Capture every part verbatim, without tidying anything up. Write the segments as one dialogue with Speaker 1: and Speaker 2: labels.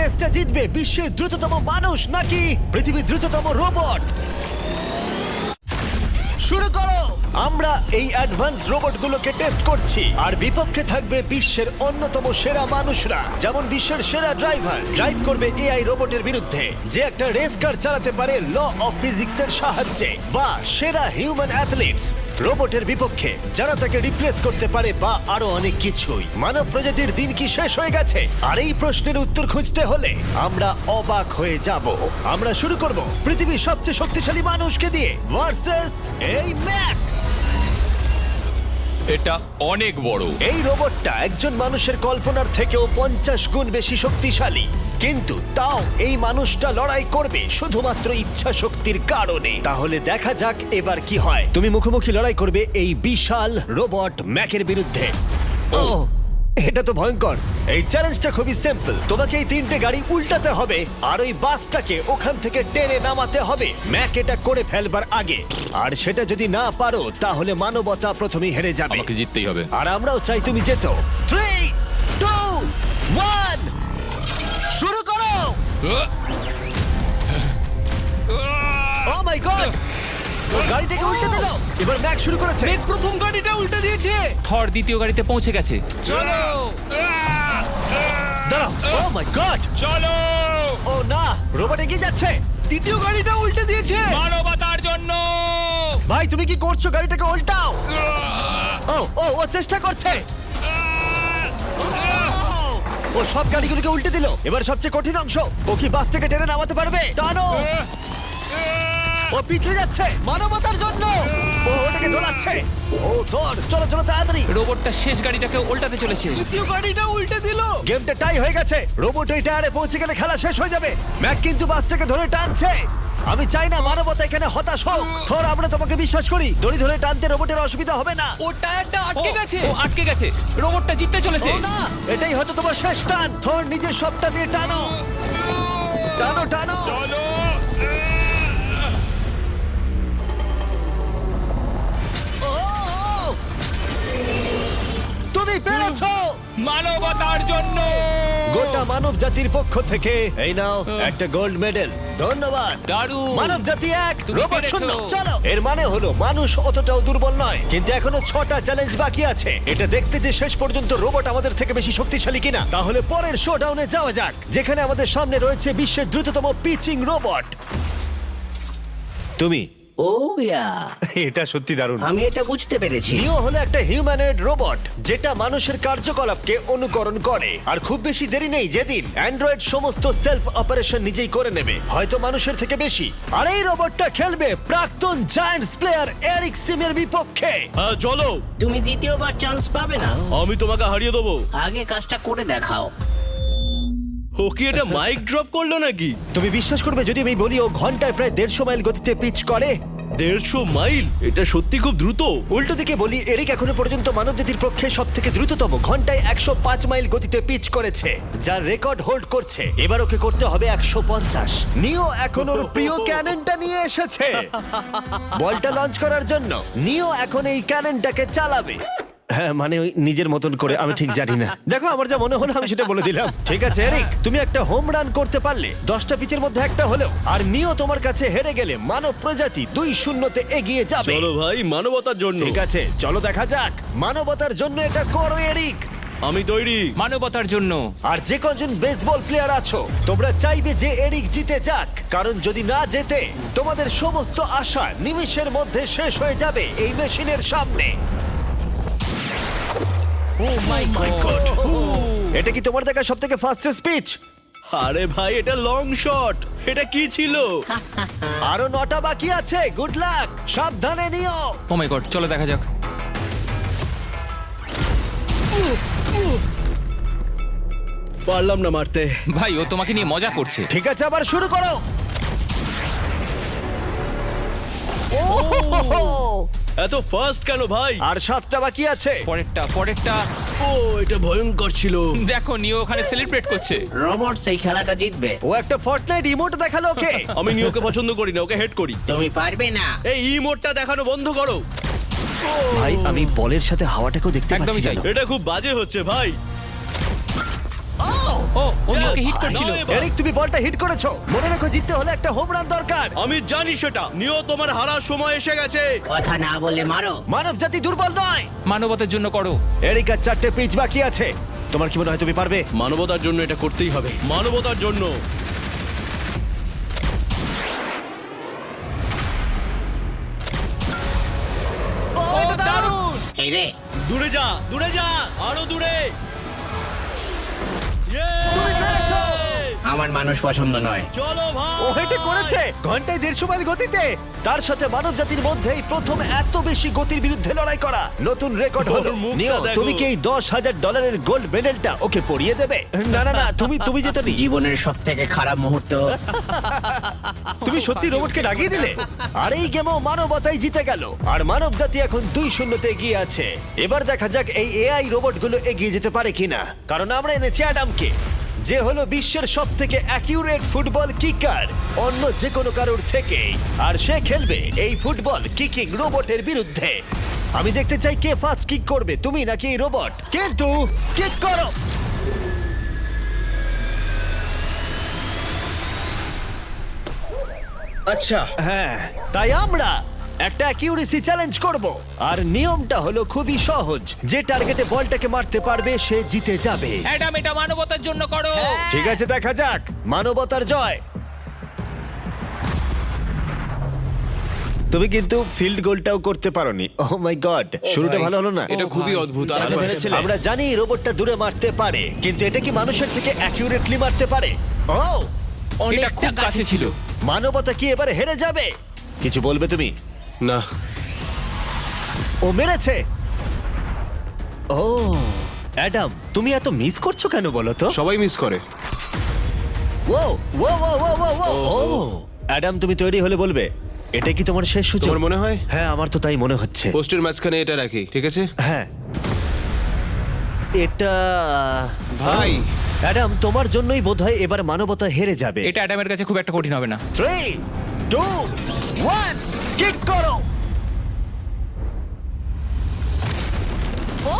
Speaker 1: রেসটা জিতবে বিশ্বের দ্রুততম মানুষ নাকি পৃথিবীর দ্রুততম রোবট? শুরু করো। আমরা এই অ্যাডভান্স রোবটগুলোকে টেস্ট করছি আর বিপক্ষে থাকবে বিশ্বের অন্যতম সেরা মানুষরা, যেমন বিশ্বের সেরা ড্রাইভার ড্রাইভ করবে এআই রোবটের বিরুদ্ধে যে একটা রেস কার চালাতে পারে ল অফ ফিজিক্সের সাহায্যে, বা সেরা হিউম্যান অ্যাথলিটস রোবটের বিপক্ষে যারা তাকে রিপ্লেস করতে পারে, বা আরো অনেক কিছুই। মানব প্রজাতির দিন কি শেষ হয়ে গেছে? আর এই প্রশ্নের উত্তর খুঁজতে হলে আমরা অবাক হয়ে যাব। আমরা শুরু করব পৃথিবীর সবচেয়ে শক্তিশালী মানুষকে দিয়ে ভার্সেস এই ম্যাক।
Speaker 2: এটা অনেক বড়।
Speaker 1: এই রোবটটা একজন মানুষের কল্পনার থেকেও পঞ্চাশ গুণ বেশি শক্তিশালী, কিন্তু তাও এই মানুষটা লড়াই করবে শুধুমাত্র ইচ্ছা শক্তির কারণে। তাহলে দেখা যাক এবার কি হয়। তুমি মুখোমুখি লড়াই করবে এই বিশাল রোবট ম্যাকের বিরুদ্ধে। ও, এটা তো ভয়ঙ্কর। এই চ্যালেঞ্জটা খুবই সিম্পল। তোমাকে এই তিনটে গাড়ি উল্টাতে হবে আর ওই বাসটাকে ওখান থেকে টেনে নামাতে হবে ম্যাক এটা করে ফেলবার আগে। আর সেটা যদি না পারো তাহলে মানবতা প্রথমেই হেরে যাবে।
Speaker 2: আমাকে জিততেই হবে।
Speaker 1: আর আমরাও চাই তুমি যেতো। থ্রি টু ওয়ান শুরু করো। ও মাই গড, গাড়িটাকে উল্টে দিল। এবার ম্যাক শুরু করেছে।
Speaker 3: মেঘ প্রথম গাড়িটা উল্টে দিয়েছে।
Speaker 4: থর দ্বিতীয় গাড়িতে পৌঁছে গেছে।
Speaker 2: চলো
Speaker 1: দাঁড়াও। ও মাই গড,
Speaker 2: চলো
Speaker 1: ও না, রোবট এগিয়ে যাচ্ছে।
Speaker 3: দ্বিতীয় গাড়িটা উল্টে দিয়েছে।
Speaker 2: মানবতার জন্য।
Speaker 1: ভাই তুমি কি করছো? গাড়িটাকে উল্টাও। ও ও ও চেষ্টা করছে। ও সব গাড়িগুলোকে উল্টে দিল। এবার সবচেয়ে কঠিন অংশ, ও কি বাস থেকে টেনে নামাতে পারবে? টানো। ও পিছলে যাচ্ছে মানবতার জন্য। ও ওটাকে দোলাচ্ছে। ও ধর, চলো চলো তাড়াতাড়ি।
Speaker 4: রোবটটা শেষ গাড়িটাকে উল্টাতে চলেছে।
Speaker 3: তৃতীয় গাড়িটা উল্টে দিল।
Speaker 1: গেমটা টাই হয়ে গেছে। রোবট ওই টায়ারে পৌঁছে গেলে খেলা শেষ হয়ে যাবে। ম্যাক কিন্তু বাসটাকে ধরে টানছে। আমি চাই না মানবতা এখানে হতাশ হোক। থর, আমরা তোমাকে বিশ্বাস করি। দড়ি ধরে টানতে রোবটের অসুবিধা হবে না।
Speaker 3: ও টায়ারটা আটকে
Speaker 4: ও,
Speaker 3: গেছে।
Speaker 4: ও আটকে গেছে। রোবটটা জিততে চলেছে।
Speaker 1: ও না, এটাই হয়তো তোমার শেষ টান। থর নিজের সবটা দিয়ে টানো টানো টানো।
Speaker 2: চলো
Speaker 1: ও, তুমি পেরেছো।
Speaker 2: মানবতার জন্য।
Speaker 1: গোটা মানব জাতির পক্ষ থেকে এই নাও একটা গোল্ড মেডেল। ধন্যবাদ।
Speaker 4: দারুণ।
Speaker 1: মানব জাতি এক,
Speaker 4: তুমি
Speaker 1: রোবট
Speaker 4: পেরেছো।
Speaker 1: শূন্য। চলো, এর মানে হলো মানুষ অতটাও দুর্বল নয়, কিন্তু এখনো ছটা চ্যালেঞ্জ বাকি আছে। এটা দেখতে যে শেষ পর্যন্ত রোবট আমাদের থেকে বেশি শক্তিশালী কিনা। তাহলে পরের শোডাউনে যাওয়া যাক, যেখানে আমাদের সামনে রয়েছে বিশ্বের দ্রুততম পিচিং রোবট। তুমি
Speaker 5: ও ইয়া,
Speaker 1: এটা সত্যি দারুণ।
Speaker 5: আমি এটা বুঝতে পেরেছি।
Speaker 1: নিও হলো একটা হিউম্যানয়েড রোবট যেটা মানুষের কার্যকলাপকে অনুকরণ করে। আর খুব বেশি দেরি নেই যেদিন অ্যান্ড্রয়েড সমস্ত সেলফ অপারেশন নিজেই করে নেবে, হয়তো মানুষের থেকে বেশি। আর এই রোবটটা খেলবে প্রাক্তন জায়ান্টস প্লেয়ার এরিক সিমের বিপক্ষে।
Speaker 6: হ্যাঁ চলো,
Speaker 5: তুমি দ্বিতীয়বার চান্স পাবে না।
Speaker 6: আমি তোমাকে হারিয়ে দেবো।
Speaker 5: আগে কাজটা করে দেখাও।
Speaker 6: ও কি এটা মাইক ড্রপ করলো নাকি?
Speaker 1: তুমি বিশ্বাস করবে যদি আমি বলি ও ঘন্টায় প্রায় দেড়শো মাইল গতিতে পিচ করে?
Speaker 6: দেড়শো মাইল? এটা সত্যি খুব দ্রুত।
Speaker 1: উল্টো দিকে বলি, এরিক এখনো পর্যন্ত মানবজাতির পক্ষে সব থেকে দ্রুততম ঘন্টায় একশো পাঁচ মাইল গতিতে পিচ করেছে, যার রেকর্ড হোল্ড করছে। এবার ওকে করতে হবে একশো পঞ্চাশ। নিও এখন ওর প্রিয় ক্যাননটা নিয়ে এসেছে বলটা লঞ্চ করার জন্য। নিও এখন এই ক্যাননটাকে চালাবে। হ্যাঁ, মানে ওই নিজের মতন করে, আমি ঠিক জানি না। দেখো, আমার যা মনে হলো আমি সেটা বলে দিলাম। ঠিক আছে এরিক, তুমি একটা হোম রান করতে পারলে দশটা পিচের মধ্যে একটা হলেও, আর নিও তোমার কাছে হেরে গেলে মানব প্রজাতি দুই শূন্যতে এগিয়ে যাবে।
Speaker 6: চলো ভাই, মানবতার জন্য।
Speaker 1: ঠিক আছে, চলো দেখা যাক। মানবতার জন্য এটা করো এরিক।
Speaker 6: আমি তৈরি।
Speaker 4: মানবতার জন্য।
Speaker 1: আর যে কজন বেসবল প্লেয়ার আছো, তোমরা চাইবে যে এরিক জিতে যাক, কারণ যদি না জেতে তোমাদের সমস্ত আশা নিমেষের মধ্যে শেষ হয়ে যাবে এই মেশিনের সামনে।
Speaker 4: Oh my god.
Speaker 1: এটা কি তোমার দেখা সব থেকে ফাস্টেস্ট স্পিচ?
Speaker 6: আরে ভাই, এটা লং শট। এটা কি ছিল?
Speaker 1: আরো নটা বাকি আছে। গুড লাক, সাবধানে নিও।
Speaker 4: ও মাই গড, চলো দেখা যাক।
Speaker 6: পারলাম না মারতে।
Speaker 4: ভাই, ও তোমাকে নিয়ে মজা করছে।
Speaker 1: ঠিক আছে, আবার শুরু করো। ওহো!
Speaker 6: এত ফাস্ট কেন ভাই?
Speaker 1: আর সাতটা বাকি আছে।
Speaker 4: পরেরটা পরেরটা
Speaker 6: ও, এটা ভয়ঙ্কর ছিল।
Speaker 4: দেখো, নিও ওখানে সেলিব্রেট করছে।
Speaker 5: রোবট সেই খেলাটা জিতবে।
Speaker 1: ও একটা ফর্টনাইট ইমোট দেখালো ওকে।
Speaker 6: আমি নিওকে পছন্দ করি না, ওকে হেড করি।
Speaker 5: তুমি পারবে না।
Speaker 6: এই ইমোটটা দেখানো বন্ধ করো।
Speaker 1: ভাই, আমি বলের সাথে হাওয়াটাকেও দেখতে
Speaker 4: একদমই
Speaker 1: পাচ্ছি
Speaker 4: তাই।
Speaker 1: জানো?
Speaker 6: এটা খুব বাজে হচ্ছে ভাই।
Speaker 1: ও!
Speaker 4: ও উনি ওকে হিট করছিল
Speaker 6: না, এবার।
Speaker 1: এরিক তুমি বলটা হিট করেছো, মনে রেখো জিততে হলে একটা হোম রান দরকার।
Speaker 6: আমি জানি সেটা। নিও, তোমার হারার সময় এসে গেছে।
Speaker 5: কথা না বলে মারো।
Speaker 1: মানব জাতি দুর্বল নয়।
Speaker 4: মানবতার জন্য করো।
Speaker 1: এরিক আর চারটে পিচ বাকি আছে, তোমার কি মনে হয় তুমি পারবে?
Speaker 6: মানবতার জন্য এটা করতেই হবে, মানবতার জন্য।
Speaker 1: ও,
Speaker 4: ও
Speaker 1: এটা দারুণ!
Speaker 4: দারুণ!
Speaker 5: এই রে,
Speaker 6: দূরে যা, দূরে যা, আরো দূরে।
Speaker 1: তুমি পেরেছো!
Speaker 5: আমার মানুষ পছন্দ নয়।
Speaker 6: চলো ভাই।
Speaker 1: ও হেটে করেছে ঘন্টায় দেড়শো মাইল গতিতে। তার সাথে মানব জাতির মধ্যেই প্রথম এত বেশি গতির বিরুদ্ধে লড়াই করা নতুন রেকর্ড হলো।
Speaker 6: ওর মুখটা
Speaker 1: নিও,
Speaker 6: দেখো।
Speaker 1: তুমি কি এই দশ হাজার ডলারের গোল্ড মেডেলটা ওকে পরিয়ে দেবে? না না না, তুমি তুমি যেতে নি।
Speaker 5: জীবনের সব থেকে খারাপ মুহূর্ত।
Speaker 1: তুমি সত্যি রোবটকে ডাকিয়ে দিলে। আর এই গেমও মানবতাই জিতে গেল, আর মানব জাতি এখন দুই শূন্যতে এগিয়ে আছে। এবার দেখা যাক এই এআই রোবটগুলো এগিয়ে যেতে পারে কিনা, কারণ আমরা এনেছি অ্যাডামকে, যে হলো বিশ্বের সব থেকে অ্যাকিউরেট ফুটবল কিকার অন্য যে কোনো কারোর থেকে। আর সে খেলবে এই ফুটবল কিকিং রোবটের বিরুদ্ধে। আমি দেখতে চাই কে ফার্স্ট কিক করবে, তুমি নাকি এই রোবট। কিন্তু কিক করো।
Speaker 6: আচ্ছা,
Speaker 1: হ্যাঁ, তাই আমরা একটা অ্যাকিউরেসি চ্যালেঞ্জ করব। আর নিয়মটা হলো খুবই সহজ, যে টার্গেটে বলটাকে মারতে পারবে সে জিতে যাবে।
Speaker 4: অ্যাডাম এটা মানবতার জন্য করো।
Speaker 1: ঠিক আছে, দেখা যাক মানবতার জয়। তুমি কিন্তু ফিল্ড গোলটাও করতে পারোনি। ও মাই গড, শুরুটা ভালো হলো না।
Speaker 6: এটা খুবই অদ্ভুত। আর
Speaker 1: আমরা জেনেছিলাম। আমরা জানি রোবটটা দূরে মারতে পারে, কিন্তু এটা কি মানুষের থেকে অ্যাকিউরেটলি মারতে পারে? ও,
Speaker 4: এটা খুব কাছে ছিল।
Speaker 1: মানবতা কি এবারে হেরে যাবে? কিছু বলবে তুমি?
Speaker 6: না,
Speaker 1: ও মেরেছে। ও অ্যাডাম, তুমি এত মিস করছো কেন বলো তো?
Speaker 6: সবাই মিস করে।
Speaker 1: ও ও ও ও ও ও ও অ্যাডাম, তুমি তৈরি হলে বলবে। এটা কি তোমার শেষ সূচক?
Speaker 6: তোমার মনে হয়?
Speaker 1: হ্যাঁ, আমার তো তাই মনে হচ্ছে।
Speaker 6: পোস্টের মাঝখানে এটা রাখি, ঠিক আছে?
Speaker 1: হ্যাঁ, এটা
Speaker 6: ভাই।
Speaker 1: অ্যাডাম, তোমার জন্যই বোধহয় এবার মানবতা হেরে যাবে।
Speaker 4: এটা অ্যাডামের কাছে খুব একটা কঠিন হবে না।
Speaker 1: থ্রি টু ওয়ান, কিক করো। ও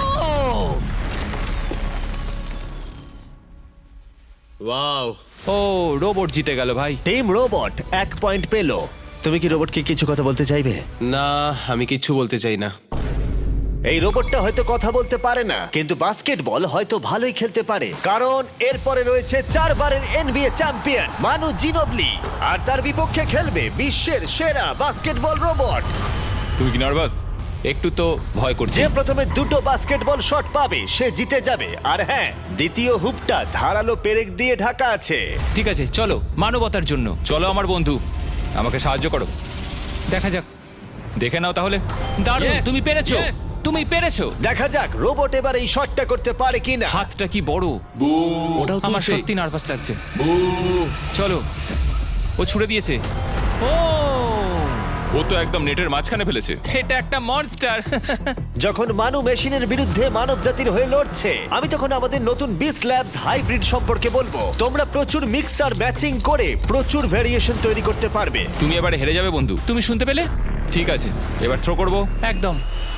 Speaker 6: ওয়াও।
Speaker 4: ও রোবট জিতে গেল ভাই।
Speaker 1: টিম রোবট এক পয়েন্ট পেলো। তুমি কি রোবটকে কিছু কথা বলতে চাইবে?
Speaker 6: না, আমি কিচ্ছু বলতে চাই না।
Speaker 1: এই রোবটটা হয়তো কথা বলতে পারে না, কিন্তু বাস্কেটবল হয়তো ভালোই খেলতে পারে, কারণ এরপরে রয়েছে চারবারের এনবিএ চ্যাম্পিয়ন মানু জিনোবলি, আর তার বিপক্ষে খেলবে বিশ্বের সেরা বাস্কেটবল রোবট।
Speaker 4: তুমি কি নার্ভাস? একটু তো ভয় করছে।
Speaker 1: যে প্রথমে দুটো বাস্কেটবল শট পাবে সে জিতে যাবে। আর হ্যাঁ, দ্বিতীয় হুপটা ধারালো পেরেক দিয়ে ঢাকা আছে।
Speaker 4: ঠিক আছে, চলো মানবতার জন্য। চলো আমার বন্ধু, আমাকে সাহায্য করো। দেখা যাক, দেখে নাও তাহলে। দারুণ,
Speaker 2: Yes,
Speaker 4: তুমি পেরেছো,
Speaker 2: yes.
Speaker 4: তুমি পেরেছো।
Speaker 1: দেখা যাক রোবট এবার এই শটটা করতে পারে কিনা।
Speaker 4: হাতটা কি বড়!
Speaker 6: ওটাও
Speaker 4: আমার
Speaker 6: তুলছে।
Speaker 4: সত্যি নার্ভাস লাগছে। চলো, ও ছুড়ে দিয়েছে। ও
Speaker 2: ও তো একদম নেটের মাঝখানে ফেলেছে।
Speaker 4: এটা একটা মনস্টার।
Speaker 1: যখন মানু মেশিনের বিরুদ্ধে মানব জাতির হয়ে লড়ছে, আমি তখন আমাদের নতুন বিস্ট ল্যাবস হাইব্রিড সম্পর্কে বলবো। তোমরা প্রচুর মিক্সার ম্যাচিং করে প্রচুর ভেরিয়েশন তৈরি করতে পারবে।
Speaker 2: তুমি এবারে হেরে যাবে বন্ধু।
Speaker 4: তুমি শুনতে পেলে?
Speaker 2: ঠিক আছে, এবার থ্রো করবো।
Speaker 4: একদম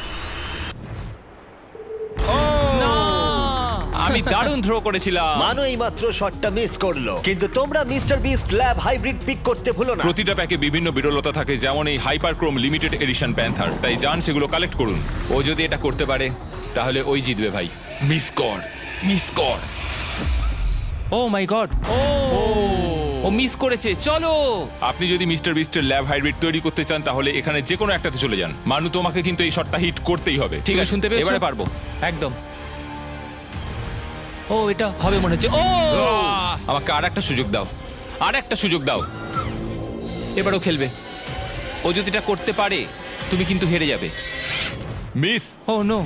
Speaker 4: না।
Speaker 2: আমি দারুণ থ্রো করেছিলাম।
Speaker 1: মানু এই মাত্র শটটা মিস করলো, কিন্তু তোমরা mister Beast lab hybrid pick করতে ভুলো না।
Speaker 2: প্রতিটা প্যাকে বিভিন্ন বিরলতা থাকে, যেমন এই হাইপারক্রোম লিমিটেড এডিশন প্যান্থার। তাই যান সেগুলো কালেক্ট করুন। ও যদি এটা করতে পারে তাহলে ওই জিতবে ভাই। মিস কর, মিস কর।
Speaker 4: ও my god, O O miss করেছে। চলো,
Speaker 2: আপনি যদি মিস্টার বিস্টের ল্যাব হাইব্রিড তৈরি করতে চান তাহলে এখানে যে কোনো একটাতে চলে যান। মানু, তোমাকে কিন্তু এই শটটা হিট করতেই হবে।
Speaker 4: ঠিক আছে, শুনতে পেয়েছো?
Speaker 2: এবারে পারবো।
Speaker 4: একদম। ও এটা হবে মনে হচ্ছে। ও
Speaker 2: আহ! আমাকে আর একটা সুযোগ দাও, আর একটা সুযোগ দাও।
Speaker 4: এবারও খেলবে। ও যদি এটা করতে পারে তুমি কিন্তু হেরে যাবে।
Speaker 2: মিস।
Speaker 4: ও নো,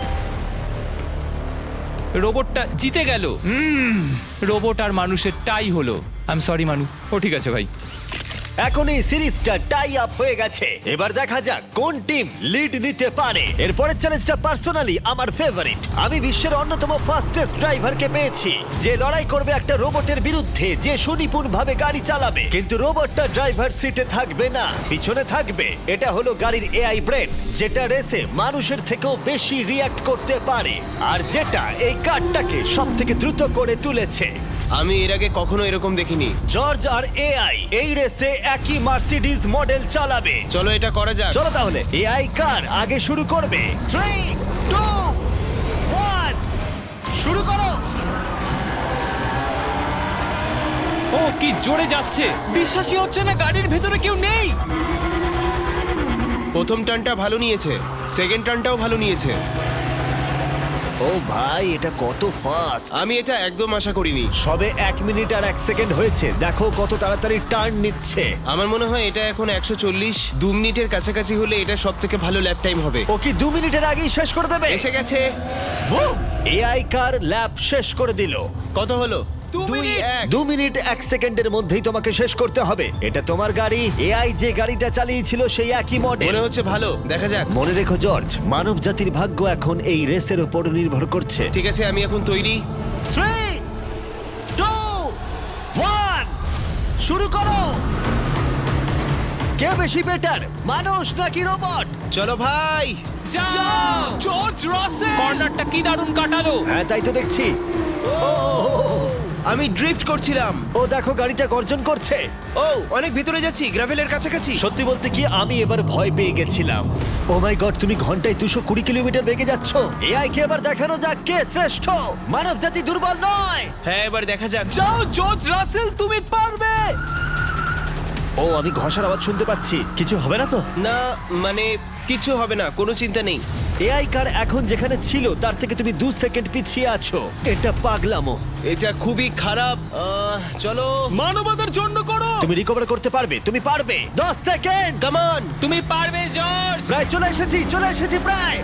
Speaker 4: রোবটটা জিতে গেল। রোবট আর মানুষের টাই হলো। আই এম সরি মানু।
Speaker 2: ও ঠিক আছে ভাই।
Speaker 1: এখন এই সিরিজটা টাই আপ হয়ে গেছে। এবার দেখা যাক কোন টিম লিড নিতে পারে। এরপরের চ্যালেঞ্জটা পার্সোনালি আমার ফেভারিট। আমি বিশ্বের অন্যতম ফাস্টেস্ট ড্রাইভারকে পেয়েছি, যে লড়াই করবে একটা রোবটের বিরুদ্ধে যে সুনিপুণভাবে গাড়ি চালাবে। কিন্তু রোবটটা ড্রাইভার সিটে থাকবে না, পিছনে থাকবে। এটা হলো গাড়ির এআই ব্রেন, যেটা রেসে মানুষের থেকেও বেশি রিয়্যাক্ট করতে পারে, আর যেটা এই কারটাকে সব থেকে দ্রুত করে তুলেছে।
Speaker 6: আমি এর আগে কখনো এরকম দেখিনি।
Speaker 1: জর্জ আর এআই এই রেসে একই মার্সিডিজ মডেল চালাবে।
Speaker 6: চলো এটা করা যাক।
Speaker 1: চলো তাহলে এআই কার আগে শুরু করবে। থ্রি টু ওয়ান শুরু করো।
Speaker 4: ও কি জোরে যাচ্ছে!
Speaker 3: বিশ্বাসই হচ্ছে না গাড়ির ভেতরে কেউ নেই।
Speaker 6: প্রথম টার্নটা ভালো নিয়েছে, সেকেন্ড টার্নটাও ভালো নিয়েছে।
Speaker 1: ও ভাই এটা কত ফাস্ট!
Speaker 6: আমি এটা একদম আশা করিনি।
Speaker 1: সবে এক মিনিট আর এক সেকেন্ড হয়েছে, দেখো কত তাড়াতাড়ি টার্ন নিচ্ছে।
Speaker 6: আমার মনে হয় এটা এখন একশো চল্লিশ দু মিনিটের কাছাকাছি হলে এটা সব থেকে ভালো ল্যাপ টাইম হবে।
Speaker 1: ও কি দু মিনিটের আগেই শেষ করে দেবে?
Speaker 6: এসে গেছে।
Speaker 1: এআই কার ল্যাব শেষ করে দিল।
Speaker 6: কত হলো?
Speaker 3: দু
Speaker 6: দুই
Speaker 3: মিনিট।
Speaker 6: এক।
Speaker 1: দু মিনিট এক সেকেন্ডের মধ্যেই তোমাকে শেষ করতে হবে। এটা তোমার গাড়ি, এআই যে গাড়িটা চালিয়েছিল সেই একই মডেল।
Speaker 6: মনে হচ্ছে ভালো, দেখা যাক।
Speaker 1: মনে রেখো জর্জ, মানব জাতির ভাগ্য এখন এই রেসের উপর নির্ভর করছে।
Speaker 6: ঠিক আছে, আমি এখন তৈরি।
Speaker 1: থ্রি টু ওয়ান শুরু করো। কে বেশি বেটার, মানুষ নাকি রোবট?
Speaker 6: চলো ভাই।
Speaker 4: যাও!
Speaker 3: জর্জ রাসেল।
Speaker 4: কর্নারটা কি দারুণ কাটালো!
Speaker 1: হ্যাঁ তাই তো দেখছি।
Speaker 6: আমি ড্রিফট করছিলাম।
Speaker 1: ও দেখো গাড়িটা গর্জন করছে।
Speaker 6: ও অনেক ভিতরে যাচ্ছি, গ্রাভেলের কাছাকাছি।
Speaker 1: সত্যি বলতে কি আমি এবার ভয় পেয়ে গেছিলাম। ও মাই গড, তুমি ঘন্টায় দুশো কুড়ি কিলোমিটার বেগে যাচ্ছ। এআই কে এবার দেখানো যাক কে শ্রেষ্ঠ। মানব জাতি দুর্বল নয়।
Speaker 6: হ্যাঁ, এবার দেখা যাক।
Speaker 3: যাও জর্জ রাসেল, তুমি পারবে।
Speaker 1: ও আমি ঘষার আওয়াজ শুনতে পাচ্ছি, কিছু হবে না তো?
Speaker 6: না মানে কিছু হবে না, কোনো চিন্তা নেই।
Speaker 1: এআই কার এখন যেখানে ছিল তার থেকে তুমি দু সেকেন্ড পিছিয়ে আছো। এটা পাগলামো।
Speaker 6: এটা খুবই খারাপ। আহ, চলো।
Speaker 3: মানবতার জন্য করো।
Speaker 1: তুমি রিকভার করতে পারবে, তুমি পারবে। দশ সেকেন্ড,
Speaker 6: কাম অন।
Speaker 4: তুমি পারবে জর্জ!
Speaker 1: প্রায় চলে এসেছি, চলে এসেছি প্রায়।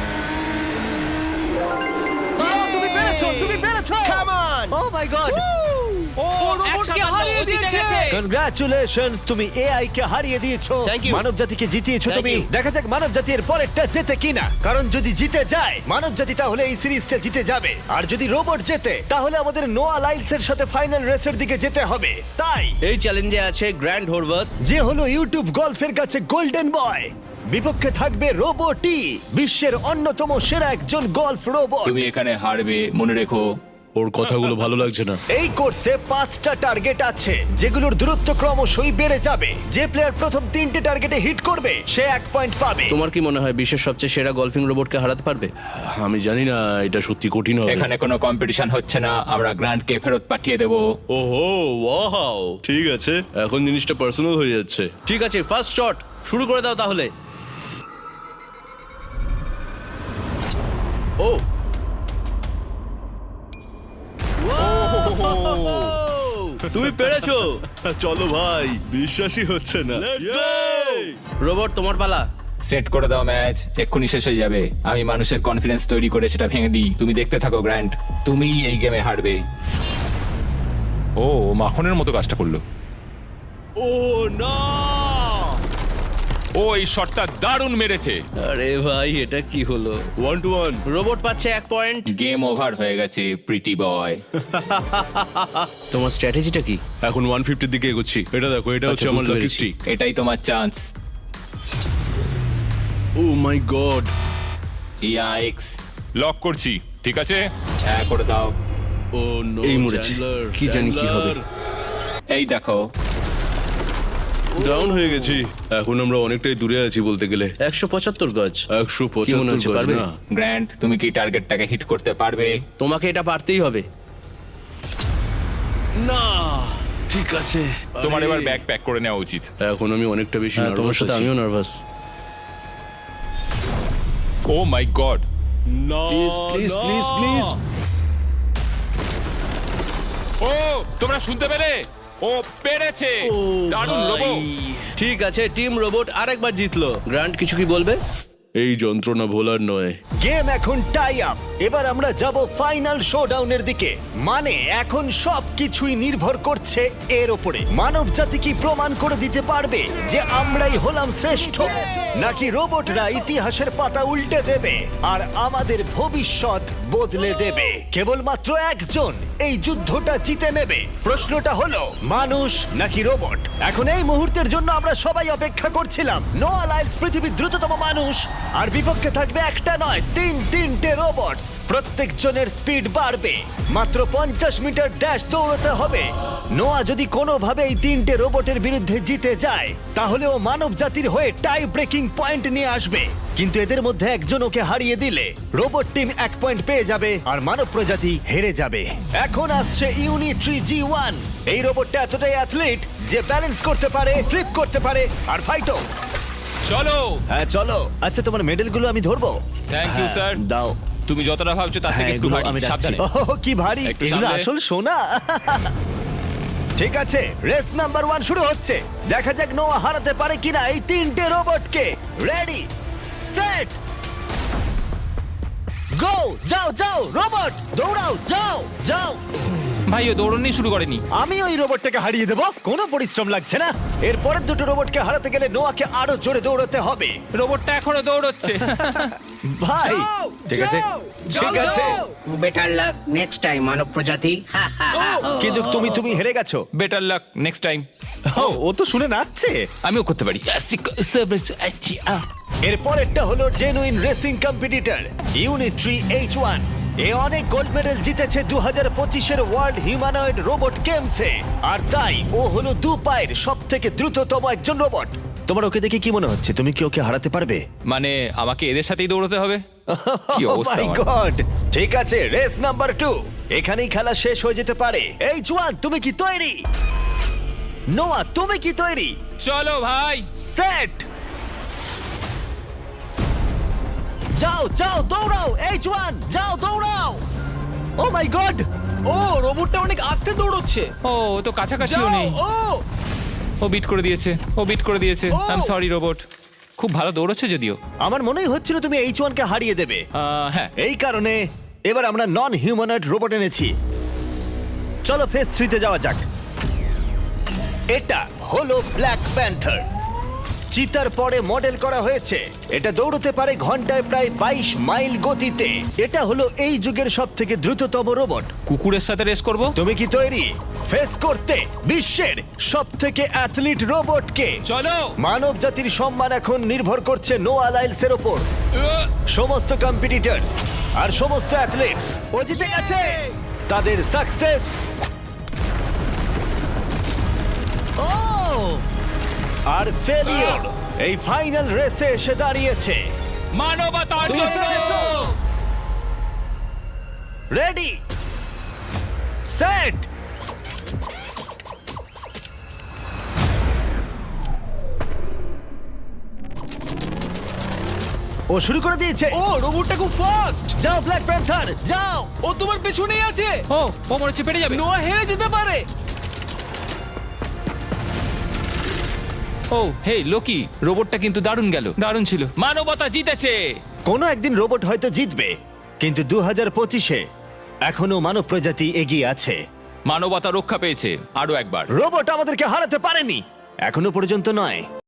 Speaker 1: ও, তুমি পেরেছো, তুমি পেরেছো।
Speaker 6: Come on.
Speaker 1: O my god,
Speaker 4: ও
Speaker 3: রোবটকে
Speaker 4: এক সাতান্ন,
Speaker 3: হারিয়ে
Speaker 4: ও জিতে
Speaker 3: দিয়েছে।
Speaker 4: গেছে।
Speaker 1: কনগ্রাচুলেশনস, তুমি এআই কে হারিয়ে দিয়েছো।
Speaker 6: Thank you.
Speaker 1: মানব জাতিকে জিতিয়েছো
Speaker 6: Thank
Speaker 1: তুমি।
Speaker 6: you.
Speaker 1: দেখা যাক মানব জাতি এর পরেরটা জেতে কিনা। কারণ যদি জিতে যায় মানব জাতি তাহলে এই সিরিজটা জিতে যাবে, আর যদি রোবট জেতে তাহলে আমাদের নোয়া লাইলসের সাথে ফাইনাল রেসের দিকে যেতে হবে। তাই
Speaker 6: এই চ্যালেঞ্জে আছে গ্র্যান্ড হোরভাত।
Speaker 1: যে হলো ইউটিউব গল্ফের কাছে গোল্ডেন বয়, বিপক্ষে থাকবে রোবটি, বিশ্বের অন্যতম সেরা একজন গল্ফ রোবট।
Speaker 4: তুমি এখানে হারবে, মনে রেখো।
Speaker 7: ওর কথাগুলো ভালো লাগছে না।
Speaker 1: এই কোর্সে পাঁচটা টার্গেট আছে যেগুলোর দূরত্ব ক্রমশই বেড়ে যাবে। যে প্লেয়ার প্রথম তিনটে টার্গেটে হিট করবে সে এক পয়েন্ট পাবে।
Speaker 6: তোমার কি মনে হয় বিশ্বের সবচেয়ে সেরা গলফিং রোবটকে হারাতে পারবে?
Speaker 7: আমি জানি না, এটা সত্যি কঠিন হবে।
Speaker 4: এখানে কোনো কম্পিটিশন হচ্ছে না, আমরা গ্র্যান্ডকে ফেরত পাঠিয়ে দেবো।
Speaker 7: ওহো, ওয়াও, ঠিক আছে, এখন জিনিসটা পার্সোনাল হয়ে যাচ্ছে।
Speaker 6: ঠিক আছে, ফার্স্ট শট শুরু করে দাও তাহলে। ও
Speaker 7: তুমি পেরেছো। চলো ভাই, বিশ্বাসই হচ্ছে না।
Speaker 6: রোবট, তোমার পালা।
Speaker 4: সেট করে দাও ম্যাচ, এক্ষুনি শেষ হয়ে যাবে। আমি মানুষের কনফিডেন্স তৈরি করে সেটা ভেঙে দিই। তুমি দেখতে থাকো গ্র্যান্ড, তুমি এই গেমে হারবে।
Speaker 2: ও ও মাখনের মতো কাজটা করলো।
Speaker 7: ও না,
Speaker 2: ও এই শটটা দারুণ মেরেছে।
Speaker 6: আরে ভাই, এটা কি হলো?
Speaker 7: One two one.
Speaker 6: রোবট পাচ্ছে এক পয়েন্ট।
Speaker 4: গেম ওভার হয়ে গেছে প্রিটি বয়।
Speaker 6: তোমার স্ট্র্যাটেজিটা কি?
Speaker 7: এখন ওয়ান ফিফটির দিকে এগোচ্ছি। এটা দেখো, এটা হচ্ছে
Speaker 6: আচ্ছা,
Speaker 7: আমার
Speaker 6: বুঝতে
Speaker 7: লাকি
Speaker 6: পেরেছি।
Speaker 7: স্ট্রিক।
Speaker 4: এটাই তোমার chance.
Speaker 7: Oh my god,
Speaker 4: yikes!
Speaker 2: Lock করছি, ঠিক আছে?
Speaker 4: হ্যাঁ করে দাও।
Speaker 7: ও নো,
Speaker 6: এই মরেছি। কি জানি কি হবে।
Speaker 4: এই দেখো,
Speaker 7: ডাউন হয়ে গেছি। এখন আমরা অনেকটাই দূরে আছি বলতে গেলে।
Speaker 6: একশো পঁচাত্তর গজ।
Speaker 7: একশো
Speaker 6: কি মনে হচ্ছে,
Speaker 7: পঁচাত্তর
Speaker 6: পারবে?
Speaker 7: না।
Speaker 4: গ্র্যান্ড তুমি কি টার্গেটটাকে হিট করতে পারবে?
Speaker 6: তোমাকে এটা পারতেই হবে।
Speaker 7: না, ঠিক আছে।
Speaker 2: তোমার
Speaker 7: আরে,
Speaker 2: এবার ব্যাগ প্যাক করে নেওয়া উচিত।
Speaker 7: এখন আমি অনেকটা বেশি
Speaker 6: হ্যাঁ, তোমার
Speaker 7: নার্ভাস
Speaker 6: সাথে
Speaker 7: আছি।
Speaker 6: আমিও নার্ভাস।
Speaker 2: Oh my god!
Speaker 7: না,
Speaker 6: প্লিজ প্লিজ
Speaker 7: না।
Speaker 6: Please please.
Speaker 2: ও তোমরা শুনতে পেলে? ও পেরেছে! দারুণ রোবো।
Speaker 6: ঠিক আছে, টিম রোবট আরেকবার জিতলো। গ্র্যান্ড কিছু কি বলবে?
Speaker 7: এই যন্ত্রণা ভোলার নয়।
Speaker 1: গেম এখন টাই আপ। এবার আমরা যাব ফাইনাল শোডাউনের দিকে। মানে এখন সব কিছুই নির্ভর করছে এর উপরে। মানব জাতি কি প্রমাণ করে দিতে পারবে যে আমরাই হলাম শ্রেষ্ঠ, নাকি রোবটরা ইতিহাসের পাতা উল্টে দেবে আর আমাদের ভবিষ্যৎ বদলে দেবে? কেবলমাত্র একজন এই যুদ্ধটা জিতে নেবে? প্রশ্নটা হলো মানুষ নাকি রোবট? এখন এই মুহূর্তের জন্য আমরা সবাই অপেক্ষা করছিলাম। নোয়া লাইলস পৃথিবীর দ্রুততম মানুষ, আর বিপক্ষে থাকবে একটা নয় তিন তিনটে রোবট। প্রত্যেকজনের স্পিড বাড়বে, মাত্র পঞ্চাশ মিটার ড্যাশ দৌড়তে হবে। নোয়া যদি কোনোভাবে এই তিনটে রোবটের বিরুদ্ধে জিতে যায়, তাহলে ও মানব জাতির হয়ে টাই ব্রেকিং পয়েন্ট নিয়ে আসবে। কিন্তু এদের মধ্যে একজন ওকে হারিয়ে দিলে রোবট টিম এক পয়েন্ট পেয়ে যাবে আর মানব প্রজাতি হেরে যাবে। এখন আসছে ইউনিট্রি জি ওয়ান। এই রোবটটা এতটাই অ্যাথলিট যে ব্যালেন্স করতে পারে, ফ্লিপ করতে পারে আর ফাইটও।
Speaker 2: চলো।
Speaker 1: হ্যাঁ চলো। আচ্ছা, তোমার মেডেলগুলো আমি ধরবো?
Speaker 2: Thank you,
Speaker 1: হ্যাঁ,
Speaker 2: sir.
Speaker 1: দাও।
Speaker 2: তুমি যতটা ভাবছো তার থেকে
Speaker 1: হ্যাঁ,
Speaker 2: একটু
Speaker 1: এগুলো
Speaker 2: ভারী।
Speaker 1: আমি রাখছি।
Speaker 2: সাবধানে।
Speaker 1: ওহ, কি ভারী!
Speaker 2: একটু
Speaker 1: এগুলো
Speaker 2: সামলে।
Speaker 1: আসল সোনা। ঠিক আছে, রেস নাম্বার ওয়ান শুরু হচ্ছে। দেখা যাক নোয়া হারাতে পারে কিনা এই তিনটে রোবটকে। Ready, set, go! যাও যাও রোবট, দৌড়াও, যাও যাও।
Speaker 4: ভাই ও দৌড়নি শুরু করেনি।
Speaker 1: আমি ওই রোবটটাকে হারিয়ে দেবো, কোনো পরিশ্রম লাগছে না। এর পরের দুটো রোবটকে হারাতে গেলে নোয়াকে আরো জোরে দৌড়াতে হবে।
Speaker 4: রোবটটা এখনো দৌড়চ্ছে।
Speaker 1: ভাই
Speaker 3: যাও,
Speaker 1: ঠিক আছে,
Speaker 3: যাও,
Speaker 1: ঠিক
Speaker 3: যাও,
Speaker 1: আছে,
Speaker 3: যাও।
Speaker 5: বেটার লাক নেক্সট টাইম মানব প্রজাতি। হা, হা, হা।
Speaker 1: কিন্তু তুমি তুমি হেরে গেছো।
Speaker 4: Better luck next time.
Speaker 1: ও, ও তো শুনে নাচছে।
Speaker 4: আমিও করতে পারি।
Speaker 1: এর পরেরটা হলো genuine racing competitor Unitree H one. এ অনেক গোল্ড মেডেল জিতেছে দু হাজার পঁচিশের ওয়ার্ল্ড হিউম্যানয়েড রোবট গেমসে, আর তাই ও হলো দু পায়ের সব থেকে দ্রুততম একজন রোবট। তোমার ওকে দেখে কি মনে হচ্ছে? তুমি কি ওকে হারাতে পারবে?
Speaker 4: মানে আমাকে এদের সাথেই দৌড়তে হবে? কি
Speaker 1: Oh
Speaker 4: অবস্থা
Speaker 1: my
Speaker 4: আমার।
Speaker 1: God! ঠিক আছে, রেস নাম্বার টু। এখানেই খেলা শেষ হয়ে যেতে পারে। এইচ ওয়ান, তুমি কি তৈরি? নোয়া, তুমি কি তৈরি?
Speaker 4: চলো ভাই।
Speaker 1: সেট, যাও যাও দৌড়াও। এইচ ওয়ান, যাও দৌড়াও। ও মাই গড!
Speaker 3: ও রোবটটা অনেক আস্তে দৌড়চ্ছে।
Speaker 4: ও ও তো কাছাকাছিও
Speaker 3: যাও,
Speaker 4: নেই।
Speaker 3: ও
Speaker 4: ও বিট করে দিয়েছে, ও বিট করে দিয়েছে।
Speaker 3: ও!
Speaker 4: I am sorry robot. খুব ভালো দৌড়চ্ছে যদিও।
Speaker 1: আমার মনেই হচ্ছিল তুমি এইচ ওয়ান কে হারিয়ে দেবে।
Speaker 4: আহ, হ্যাঁ।
Speaker 1: এই কারণে এবার আমরা নন হিউম্যানয়েড রোবট এনেছি। চলো ফেজ থ্রিতে যাওয়া যাক। এটা হলো ব্ল্যাক প্যান্থার। চিতার পরে মডেল করা হয়েছে। এটা দৌড়তে পারে ঘন্টায় প্রায় বাইশ মাইল গতিতে। এটা হলো এই যুগের সব থেকে দ্রুততম রোবট।
Speaker 4: কুকুরের সাথে রেস করব।
Speaker 1: তুমি কি তৈরি ফেস করতে বিশ্বের সব থেকে অ্যাথলিট রোবটকে?
Speaker 4: চলো।
Speaker 1: মানব জাতির সম্মান এখন নির্ভর করছে নোয়া লাইলসের ওপর।
Speaker 4: আহ,
Speaker 1: সমস্ত কম্পিটিটরস আর সমস্ত অ্যাথলেটস ও জিতে গেছে। তাদের সাকসেস ও আর ফেলিওর এই ফাইনাল রেসে এসে দাঁড়িয়েছে।
Speaker 4: মানবতার
Speaker 1: তুমি
Speaker 4: জন্য।
Speaker 1: পেরেছো। রেডি, সেট, ও শুরু করে দিয়েছে।
Speaker 3: ও রোবটটা খুব ফাস্ট।
Speaker 1: যাও ব্ল্যাক প্যান্থার, যাও।
Speaker 3: ও তোমার পেছনেই আছে।
Speaker 4: ও ও মনে হচ্ছে পেরে যাবে।
Speaker 3: নোয়া হেরে যেতে পারে।
Speaker 4: ও হে লোকি, রোবটটা কিন্তু দারুণ গেল, দারুণ ছিল। মানবতা জিতেছে।
Speaker 1: কোনো একদিন রোবট হয়তো জিতবে, কিন্তু দু হাজার পঁচিশে এখনো মানব প্রজাতি এগিয়ে আছে।
Speaker 4: মানবতা রক্ষা পেয়েছে আরো একবার।
Speaker 1: রোবট আমাদেরকে হারাতে পারেনি, এখনো পর্যন্ত নয়।